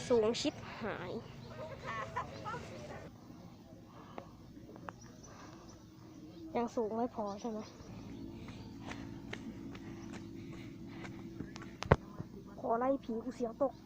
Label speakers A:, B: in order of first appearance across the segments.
A: สูงชิบหายยังสูงไม่พอใช่ไหมขอไล่ผีกูเสียวตก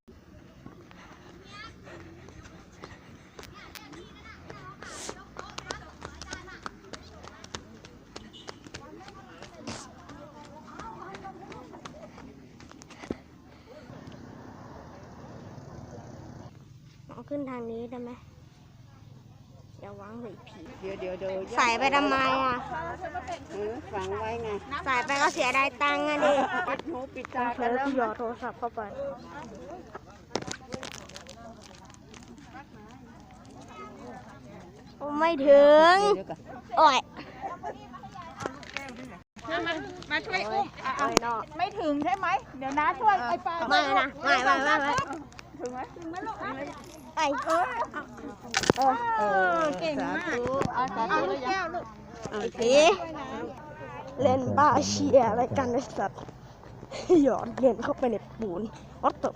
A: เอาขึ้นทางนี้ได้ไหมอย่าวางเลยผี
B: เดี๋ยว
A: ใส่ไปทำไมอ่ะ
B: ฝังไว้ไง
A: ใส่ไปก็เสียดายตังค์อ่ะดิ
B: ปิดหูปิดตา
A: เผลอกูหยอดโทรศัพท์เข้าไปโอ้ไม่ถึง โอ้ย
B: มาช่วยอุ้ม
A: โอ้ยนอก
B: ไม่ถึงใช่ไหมเดี๋ยวน้าช่วยไอ้ปลา
A: ไม่นะไม่
B: ถึงไหมลูก
A: ไป
B: เก่งมากเอาลูกแก้วลูก
A: ไอ้ผีเล่นบ้าเชียอะไรกันไอ้สัตว์หยอดเล่นเข้าไปในปูนวัดตบ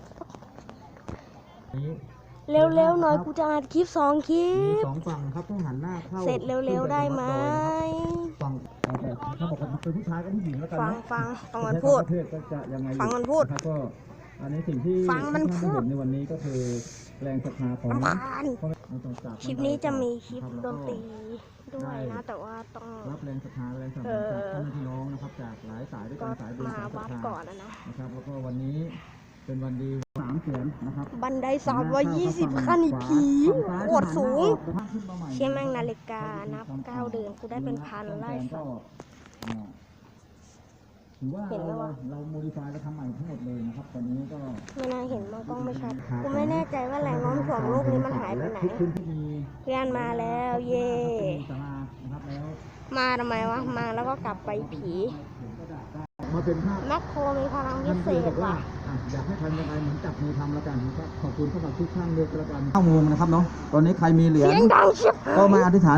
A: เร็วๆหน่อยกูจะอัดคลิป2 คลิ
C: มี
A: ป
C: 2 ฝั่งครับต้องหันหน้าเข้า
A: เสร็จเร็วๆได้ไหม
C: ฝั่งถ้าบอกว่าเป็นผู้ชายก็ผู้หญิงแล้วกัน
A: ฟังมันพูด
C: ประเทศก็จะยังไง
A: ฟังมันพูด
C: นะครับก็อันนี้สิ่งที่
A: ฟังมันพูด
C: ท่าได้เห็นในวันนี้ก็คือแรงศรัทธาของ
A: รำคาญ
C: ค
A: คลิปนี้จะมีคลิปดนตรีด้วยนะ แต่ว่าต้อง
C: รับแรงศรัทธาแรงสนับสนุนจากพ่อแม่พี่น้องนะครับจากหลายสายด้วย
A: ก็
C: กันสายบุญ
A: มา
C: สายศรั
A: วั
C: ท
A: ด
C: ธา
A: ก่อนนะ
C: นะครับแล้วก็วันนี้เป็นวันดี3 เสียนนะครับ
A: บันได320 ขั้นอีกผีโคตรสูง เชี่ยแม่งนาฬิกานับ9 เดือนกูได้เป็นพันไล่สัตว์
C: ถือว่าเราโมดิฟายเราทำใหม่ทั้งหมดเลยนะครับตอนนี้ก็
A: ไม่น่าเห็นมันกล้องไม่ชัดกูไม่แน่ใจว่าแรงโน้มถ่วงโลกนี้มันหายไปไหน
C: ทุกพื้นที่มี
A: เพื่อนมาแล้วเย่
C: ศาลานะครับแล้ว
A: มาทำไมวะ มาแล้วก็กลับไปผี
C: มาเป็นภาพ
A: แมคโครมีพลังพิ
C: ท่าน
A: เศ
C: คือ
A: ษ
C: บอกว่า
A: ว่ะ
C: อยากให้ทำยังไงเหมือนจับมือทำแล้วกันนะครับขอบคุณสำหรับทุกท่านด้วยกัน9 โมงนะครับเนาะตอนนี้ใครมีเหรียญ
A: เสียงดังชิบ
C: ก็มาอธิษฐาน